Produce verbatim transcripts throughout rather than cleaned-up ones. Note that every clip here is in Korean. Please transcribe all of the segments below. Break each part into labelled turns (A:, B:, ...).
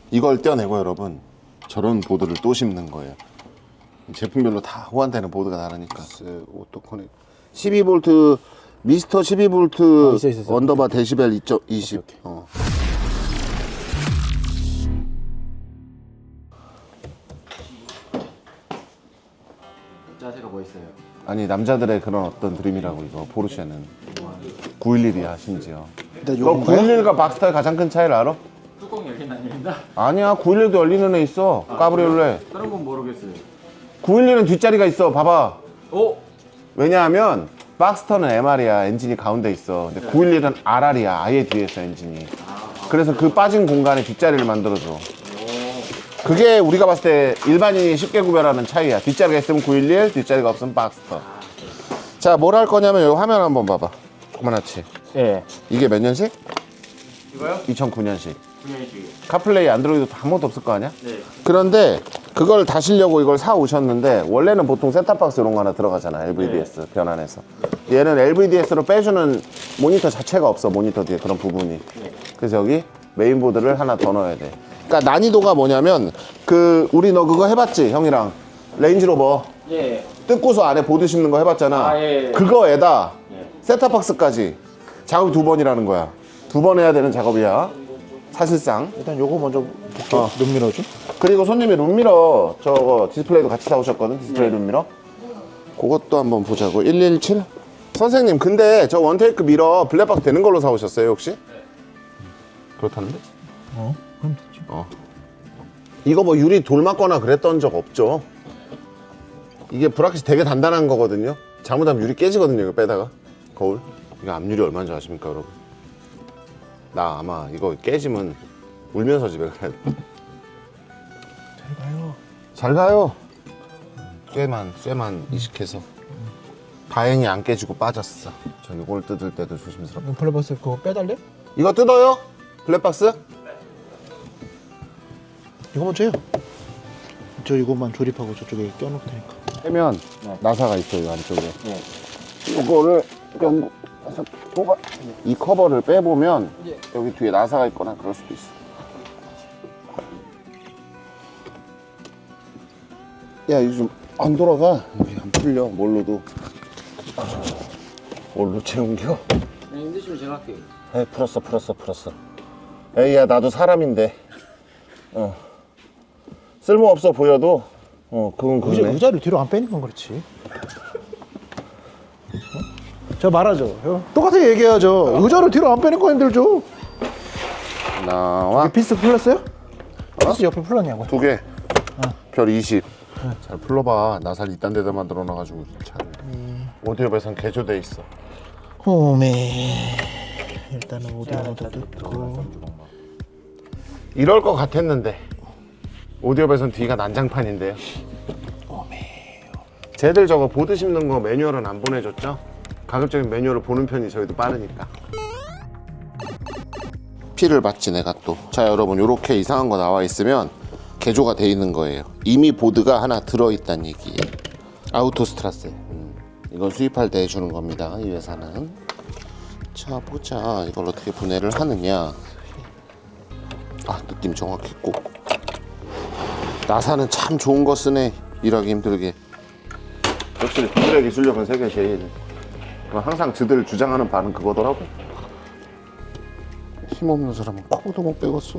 A: 이걸 떼어내고 여러분 저런 보드를 또 심는 거예요. 제품별로 다 호환되는 보드가 다르니까. 오토 커넥 십이 볼트 미스터 십이 볼트
B: 어, 있어, 있어, 있어.
A: 언더바 데시벨 이 점 이십.
B: 오케이, 오케이.
A: 어.
B: 자세가 뭐 있어요?
A: 아니 남자들의 그런 어떤 드림이라고 이거 포르쉐는 구백십일이야 심지어.
C: 근데
A: 너
C: 요건가요?
A: 구백십일과 박스타의 가장 큰 차이를 알아?
B: 뚜껑 열린 아닙니다.
A: 아니야 구백십일도 열리는 애 있어. 까브리올레.
B: 다른 건 모르겠어요.
A: 구백십일은 뒷자리가 있어. 봐봐.
B: 오!
A: 왜냐하면 박스터는 엠알이야. 엔진이 가운데 있어. 근데 구백십일은 알알이야. 아예 뒤에 있어 엔진이. 그래서 그 빠진 공간에 뒷자리를 만들어줘. 그게 우리가 봤을 때 일반인이 쉽게 구별하는 차이야. 뒷자리가 있으면 구백십일, 뒷자리가 없으면 박스터. 자, 뭘 할 거냐면 여기 화면 한번 봐봐. 그만하지.
B: 예.
A: 이게 몇 년식?
B: 이거요?
A: 이천구 년식.
B: 구 년씩이요.
A: 카플레이 안드로이드 아무것도 없을 거 아니야?
B: 네.
A: 그런데 그걸 다시려고 이걸 사 오셨는데 원래는 보통 셋탑박스 이런 거 하나 들어가잖아. 엘브이디에스 네. 변환해서. 얘는 엘브이디에스로 빼주는 모니터 자체가 없어. 모니터 뒤에 그런 부분이.
B: 네.
A: 그래서 여기 메인보드를 하나 더 넣어야 돼. 그러니까 난이도가 뭐냐면 그 우리 너 그거 해봤지 형이랑 레인지로버
B: 예.
A: 뜯고서 안에 보드 심는 거 해봤잖아.
B: 아, 예, 예.
A: 그거에다
B: 예.
A: 셋탑박스까지 작업이 두 번이라는 거야. 두 번 해야 되는 작업이야 사실상.
C: 일단 요거 먼저 볼게요.
A: 어.
C: 룸미러 좀.
A: 그리고 손님이 룸미러 저거 디스플레이도 같이 사오셨거든. 디스플레이
B: 네.
A: 룸미러 그것도 한번 보자고. 일일칠 선생님 근데 저 원테이크 미러 블랙박스 되는 걸로 사오셨어요 혹시? 네. 그렇다는데?
C: 어? 그럼 됐지.
A: 어. 이거 뭐 유리 돌 맞거나 그랬던 적 없죠? 이게 브라켓이 되게 단단한 거거든요. 잘못하면 유리 깨지거든요. 이거 빼다가 거울. 이거 앞유리 얼마인 줄 아십니까 여러분? 나 아마 이거 깨지면 울면서 집에 가야 돼.
C: 잘 가요.
A: 잘 가요. 쇠만 쇠만 이식해서 다행히 안 깨지고 빠졌어. 저 이걸 뜯을 때도 조심스럽고.
C: 블랙박스 그거 빼달래?
A: 이거 뜯어요? 블랙박스?
C: 이거 먼저 해요. 저 이것만 조립하고 저쪽에 껴놓을 테니까.
A: 빼면
B: 네.
A: 나사가 있어요 안쪽에.
B: 네.
A: 이거를 연구해서 뽑아. 이 커버를 빼보면
B: 예.
A: 여기 뒤에 나사가 있거나 그럴 수도 있어. 야 이거 좀 안 돌아가. 여기 안 풀려. 뭘로도. 뭘로 채운겨?
B: 네, 힘드시면 제가 할게요.
A: 에이 풀었어 풀었어 풀었어. 에이야 나도 사람인데. 어. 쓸모없어 보여도 어 그건
C: 의자,
A: 그거네.
C: 의자를 뒤로 안 빼니까 그렇지. 어? 저 말하죠. 형. 똑같이 얘기해야죠. 의자를 뒤로 안 빼니까 힘들죠.
A: 나와.
C: 이게 피스 풀렸어요? 피스 옆에 풀렸냐고.
A: 두 개. 별 이십. 잘 풀러봐. 나살 이딴 데다 만들어 놔가지고 차를. 오디오 배선 개조돼 있어.
C: 오메. 일단은 오디오도 뜯고.
A: 이럴 것 같았는데 오디오 배선 뒤가 난장판인데요. 쟤들 저거 보드 심는 거 매뉴얼은 안 보내줬죠? 가급적인 매뉴얼을 보는 편이 저희도 빠르니까. 피를 봤지 내가 또. 자 여러분 요렇게 이상한 거 나와 있으면 개조가 돼 있는 거예요. 이미 보드가 하나 들어있다는 얘기예요. 아우토스트라세. 음, 이건 수입할 때 해주는 겁니다 이 회사는. 자 보자 이걸 어떻게 분해를 하느냐. 아 느낌 정확히 꼭. 나사는 참 좋은 거 쓰네. 일하기 힘들게. 역시 그들의 기술력은 세계 제일. 항상 저들 주장하는 바는 그거더라고. 힘없는 사람은 코도 못 빼겠어.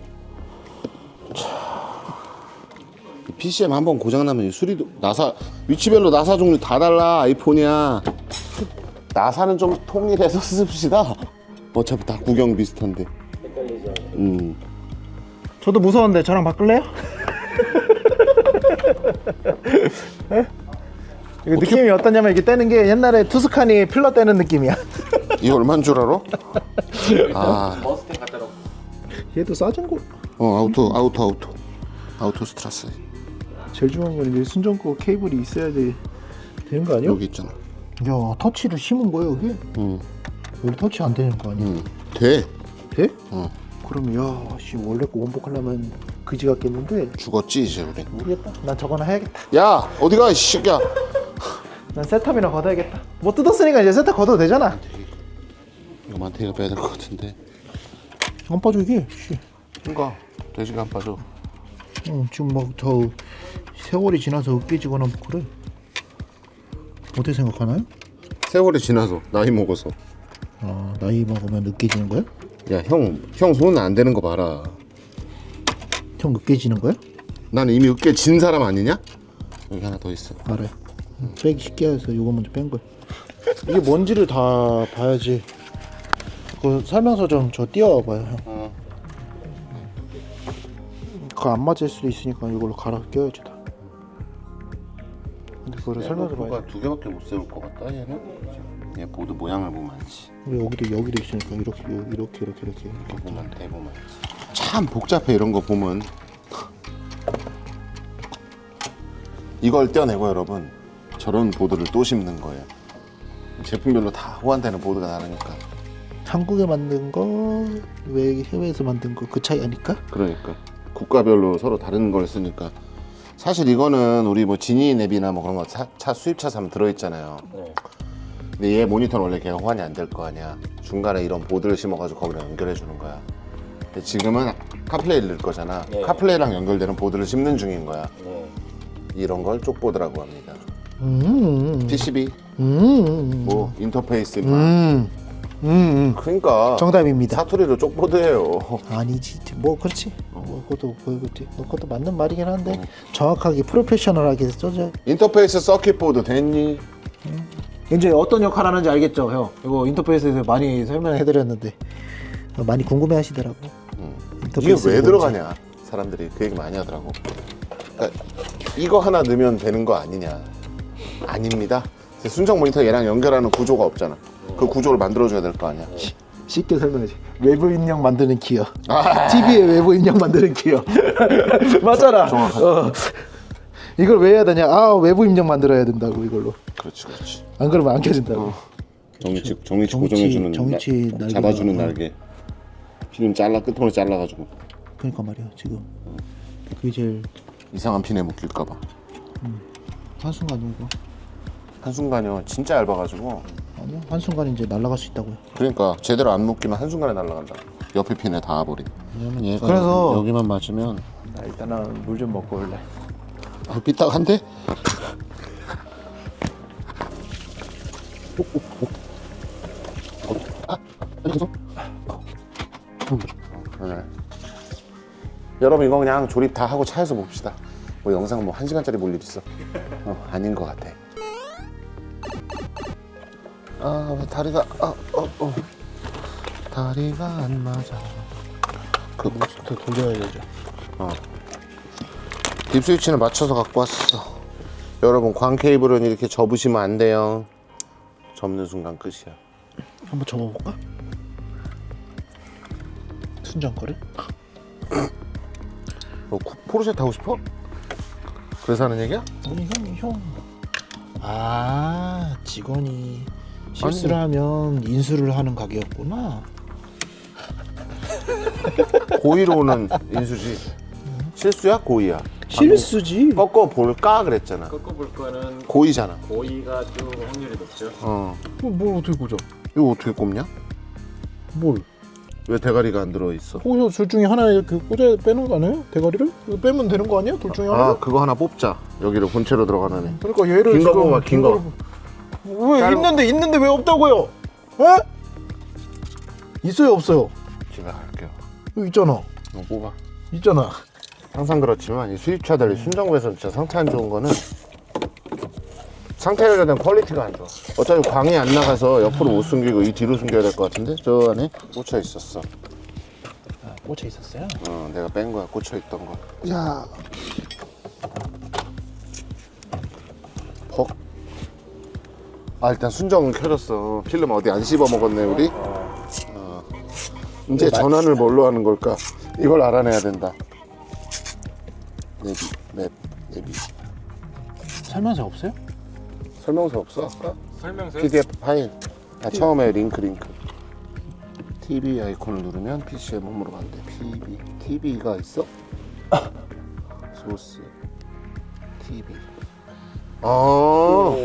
A: 자, 피씨엠 한번 고장나면 수리도 나사 위치별로 나사 종류 다 달라. 아이폰이야. 나사는 좀 통일해서 씁시다. 어차피 다 구경 비슷한데. 음.
C: 저도 무서운데 저랑 바꿀래요? 이거 느낌이 어떠냐면 이게 떼는 게 옛날에 투스카니 필러 떼는 느낌이야.
A: 이거 얼마인 줄 알아? 아,
B: 머스탱 갖다로.
C: 얘도 싸진 거.
A: 어 아우토 아우토 아우토 아우토 스트라스.
C: 제일 중요한 건 이제 순정거 케이블이 있어야 돼 되는 거 아니야?
A: 여기 있잖아.
C: 야 터치를 심은 거야 여기?
A: 응.
C: 여기 터치 안 되는 거 아니야?
A: 응. 돼.
C: 돼?
A: 응.
C: 그러면 야씨 원래 거 원복하려면 그지 같겠는데
A: 죽었지 이제 우린.
C: 모르겠다. 난 저거나 해야겠다.
A: 야 어디가 이 새끼야.
C: 난 세탑이나 걷어야겠다. 뭐 뜯었으니까 이제 세탑 걷어도 되잖아.
A: 이거 만테이가 빼야 될 것 같은데.
C: 안 빠져 이게. 씨.
A: 그러니까 돼지가 안 빠져.
C: 어, 지금 막 더 세월이 지나서 으깨지거나 뭐 그래. 어떻게 생각하나요?
A: 세월이 지나서 나이 먹어서.
C: 아, 나이 먹으면 으깨지는 거야?
A: 야형형 손은 안 되는 거 봐라.
C: 형 으깨지는 거야?
A: 난 이미 으깨 진 사람 아니냐? 여기 하나 더 있어.
C: 알아요. 빼기 쉽게 해서 이거 먼저 뺀 거야. 이게 뭔지를 다 봐야지. 그 설명서 좀 저 띄워봐요, 형.
A: 어.
C: 그거 안 맞을 수도 있으니까 이걸로 갈아 껴야지 다. 근데 그거를 설명서 봐야 돼.
A: 두 개밖에 못 세울 것 같다 얘는. 얘 보드 모양을 보면 알지.
C: 우리 여기도 여기도 있으니까 이렇게 이렇게 이렇게 이렇게 이렇게.
A: 이거 보면 돼 보면 알지. 참 복잡해 이런 거 보면. 이걸 떼어내고 여러분 저런 보드를 또 심는 거예요. 제품별로 다 호환되는 보드가 다르니까.
C: 한국에 만든 거, 왜 해외에서 만든 거 그 차이 아닐까?
A: 그러니까 국가별로 서로 다른 걸 쓰니까. 사실 이거는 우리 뭐 지니 앱이나 뭐 그런 거 차 수입차 사면 들어있잖아요.
B: 네.
A: 근데 얘 모니터는 원래 걔가 호환이 안 될 거 아니야. 중간에 이런 보드를 심어가지고 거기랑 연결해 주는 거야. 근데 지금은 카플레이를 넣을 거잖아.
B: 네.
A: 카플레이랑 연결되는 보드를 심는 중인 거야.
B: 네.
A: 이런 걸 쪽보드라고 합니다.
C: 음,
A: 피씨비,
C: 음,
A: 뭐 인터페이스, 막.
C: 음, 음,
A: 그러니까
C: 정답입니다.
A: 사투리로 쪽보드예요.
C: 아니지, 뭐 그렇지. 뭐 그것도 그것도 그것도 맞는 말이긴 한데 정확하게 프로페셔널하게 써져.
A: 인터페이스 서킷보드 됐니?
C: 이제 어떤 역할 하는지 알겠죠, 형? 이거 인터페이스에서 많이 설명해드렸는데 많이 궁금해하시더라고.
A: 이게 왜
C: 뭔지.
A: 들어가냐? 사람들이 그 얘기 많이 하더라고. 그러니까 이거 하나 넣으면 되는 거 아니냐? 아닙니다. 순정 모니터 얘랑 연결하는 구조가 없잖아. 그 구조를 만들어줘야 될 거 아니야.
C: 쉽게 설명하지. 외부 입력 만드는 기어. 티비에 외부 입력 만드는 기어. 맞잖아. 어. 이걸 왜 해야 되냐? 아, 외부 입력 만들어야 된다고 이걸로.
A: 그렇지, 그렇지.
C: 안 그러면 안 켜진다고.
A: 정위치, 정위치
C: 정위치,
A: 고정해주는
C: 정위치
A: 나-
C: 날개가-
A: 잡아주는
C: 어.
A: 날개. 필름 잘라 끝으로 잘라가지고
C: 그러니까 말이야 지금 그게 제일
A: 이상한 핀에 묶일까봐.
C: 한순간 이거
A: 한순간이요. 진짜 얇아가지고.
C: 아니야 한순간 이제 날아갈 수 있다고요.
A: 그러니까 제대로 안 묶이면 한순간에 날아간다. 옆에 핀에 닿아버리. 왜냐면 얘가
C: 그래서-
A: 여기만 맞으면
B: 나 일단은 물 좀 먹고 올래.
A: 아, 삐딱한데? 아, 여기서? 네. 여러분 이거 그냥 조립 다 하고 차에서 봅시다. 뭐 영상 뭐 한 시간짜리 볼 일 있어? 어, 아닌 것 같아. 아, 왜 다리가 아, 어, 어. 다리가 안 맞아. 그
C: 더 돌려야 되죠.
A: 어. 딥 스위치는 맞춰서 갖고 왔어. 여러분 광 케이블은 이렇게 접으시면 안 돼요. 접는 순간 끝이야.
C: 한번 접어볼까? 순정 거를?
A: 너 쿠- 포르쉐 타고 싶어? 그래서 하는 얘기야?
C: 아니 형 형. 아 직원이 실수를 하면 인수를 하는 가게였구나.
A: 고의로 오는 인수지. 실수야? 고의야?
C: 실수지.
A: 꺾어 볼까 그랬잖아.
B: 꺾어볼 거는
A: 고의잖아.
B: 고의가 좀 확률이 높죠.
A: 어.
C: 뭘 어떻게 꽂아?
A: 이거 어떻게 꼽냐?
C: 뭘?
A: 왜 대가리가 안 들어 있어?
C: 거기서 둘 중에 하나 이렇게 꽂아 빼는 거 아니에요? 대가리를? 이거 빼면 되는 거 아니야? 둘 중에 하나?
A: 아, 그거 하나 뽑자. 여기로 본체로 들어가는 애.
C: 그러니까 얘를
A: 긴 거
C: 지금
A: 뽑아, 긴 거.
C: 왜
A: 짧은-
C: 있는데 있는데 왜 없다고요? 에? 있어요 없어요?
A: 집에 갈게요.
C: 여기 있잖아.
A: 이거 뽑아.
C: 있잖아.
A: 항상 그렇지만 이 수입차들 순정구에서 진짜 상태 안 좋은 거는 상태 관련된 퀄리티가 안 좋아. 어차피 광이 안 나가서 옆으로 못 숨기고 이 뒤로 숨겨야 될 것 같은데 저 안에 꽂혀 있었어.
C: 아, 꽂혀 있었어요?
A: 어, 내가 뺀 거야. 꽂혀 있던 거.
C: 야,
A: 퍽. 아 일단 순정은 켜졌어. 필름 어디 안 씹어 먹었네 우리. 어. 이제 전환을 뭘로 하는 걸까? 이걸 알아내야 된다. 내비, 맵, 내비.
C: 설명서 없어요?
A: 설명서 없어? 아까?
B: 설명서
A: 피디에프 파일. 아, 처음에 링크 링크. 티비 아이콘을 누르면 피씨에 몸으로 간대. 티비. 티비가 있어? 소스. 티비. 아.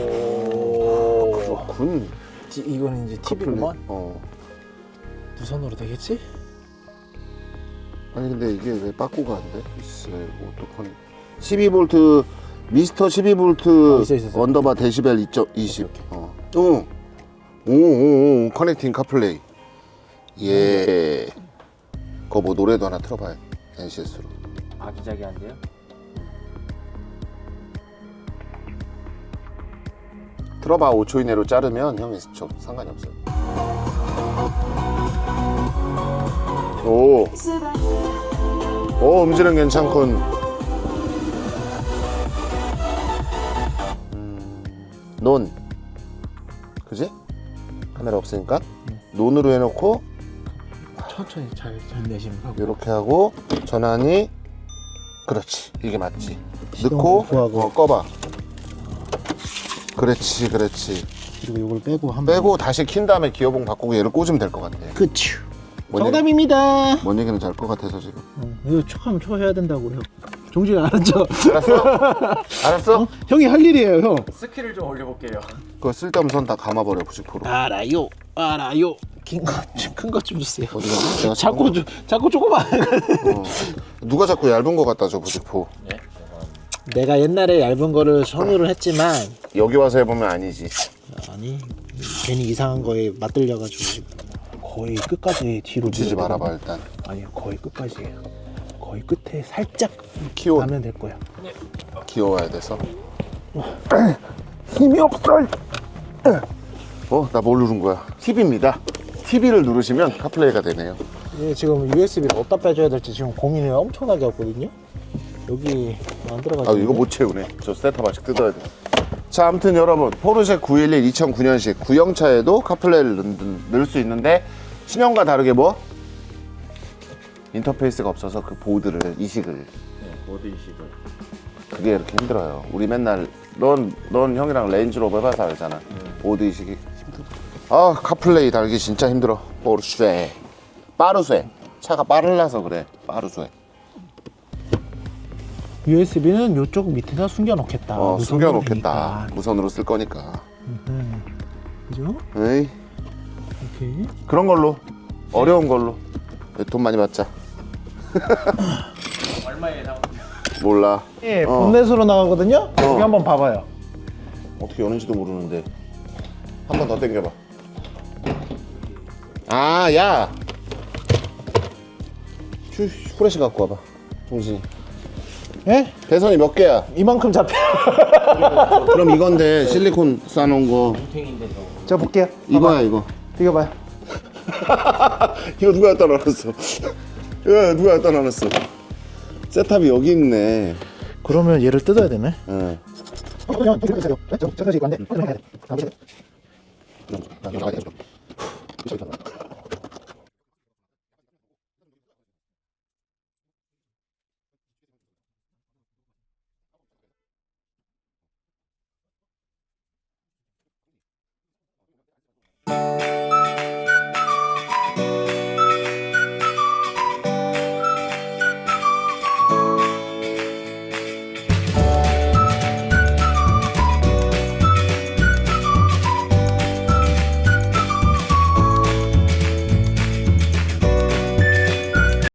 A: 그렇군.
C: 티, 이거는 이제
A: 커플.
C: 티비구만.
A: 어.
C: 무선으로 되겠지?
A: 아니 근데 이게 왜 빠꾸가 안 돼? 글쎄 어떡하니. 십이 볼트 미스터 십이 볼트
C: 어, 있어, 있어, 있어.
A: 언더바 데시벨 이십. 어. 오. 오오오 커넥팅 카플레이. 예. 그거 뭐 노래도 하나 틀어봐요. 엔시에스로.
B: 아기자기한데요?
A: 틀어봐. 오 초 이내로 자르면 형이 저 상관이 없어요. 오. 오 음질은 괜찮군. 음, 논. 그지? 카메라 없으니까 논으로 해놓고
C: 천천히 잘, 잘 내시면 하고.
A: 이렇게 하고 전환이 그렇지 이게 맞지.
C: 시동
A: 넣고
C: 오프하고.
A: 어, 꺼봐. 그렇지 그렇지.
C: 그리고 이걸 빼고 한 번.
A: 빼고 다시 킨 다음에 기어봉 바꾸고 얘를 꽂으면 될 것 같아.
C: 그쵸.
A: 뭔
C: 정답입니다.
A: 얘기, 뭔 얘기는 잘 것 같아서 지금.
C: 어, 이거 촉하면 촉해야 된다고요. 종지가 알았죠?
A: 알았어? 알았어?
C: 형이 할 일이에요, 형.
B: 스킬을 좀 올려볼게요.
A: 그거 쓸데없는 선 다 감아버려 구십 퍼센트.
C: 알아요, 알아요. 큰거큰것 좀 주세요.
A: 어디가? 내가
C: 자꾸 주, 자꾸 조금만.
A: 어. 누가 자꾸 얇은 거 갖다 줘 부직포.
B: 네.
C: 내가 옛날에 얇은 거를 선호를 했지만
A: 여기 와서 해보면 아니지.
C: 아니 괜히 이상한 거에 맞들려가지고 거의 끝까지 뒤로
A: 붙이지
C: 밀어버리고.
A: 말아봐 일단.
C: 아니요, 거의 끝까지예요. 거의 끝에 살짝
A: 키워.
C: 가면 될 거야.
A: 귀여워야 돼서.
C: 힘이 없어.
A: 어? 나 뭘 누른 거야? 팁입니다. 티비를 누르시면 카플레이가 되네요.
C: 예, 지금 유에스비를 어디다 빼줘야 될지 지금 고민을 엄청나게 하거든요. 여기 안 들어가지고.
A: 아 이거 못 채우네. 저 셋탑 아직 뜯어야 돼. 자 아무튼 여러분 포르쉐 구일일 이천구 년식 구형차에도 카플레이를 넣, 넣을 수 있는데 신형과 다르게 뭐? 인터페이스가 없어서 그 보드를 이식을
B: 네, 모드 이식을.
A: 그게 이렇게 힘들어요. 우리 맨날 넌, 넌 형이랑 레인지로버 해봐서 알잖아. 보드 이식이 힘들어. 아 카플레이 달기 진짜 힘들어. 포르쉐 빠르쇠 차가 빠르라서 그래. 빠르쇠.
C: 유에스비는 이쪽 밑에다 숨겨놓겠다.
A: 어
C: 무선으로
A: 숨겨놓겠다.
C: 되니까.
A: 무선으로 쓸 거니까.
C: 음, 그죠?
A: 에이
C: 이렇게.
A: 그런 걸로 어려운 걸로 돈 많이 받자.
B: 얼마에 나오는
A: 몰라.
C: 예,
A: 어.
C: 본넷으로 나가거든요. 여기 한번 봐봐요.
A: 어떻게 여는지도 모르는데 한 번 더 당겨봐. 아, 야. 휴, 후레쉬 갖고 와봐. 종진이.
C: 예?
A: 배선이 몇 개야?
C: 이만큼 잡혀.
A: 그럼 이건데 실리콘 싸놓은 거.
B: 탱인데 저.
C: 자 볼게요.
A: 이거야 이거.
C: 이거 봐요.
A: 이거 누가 갖다 놔놨어? 야, 누가 갖다 놔놨어? 세탑이 여기 있네.
C: 그러면 얘를 뜯어야 되네.
A: 응.
C: 그냥 뜯으세요. 네? 저 잠깐씩 이거 안 돼. 해야 돼. 가보세요.
A: 나 나가야 돼.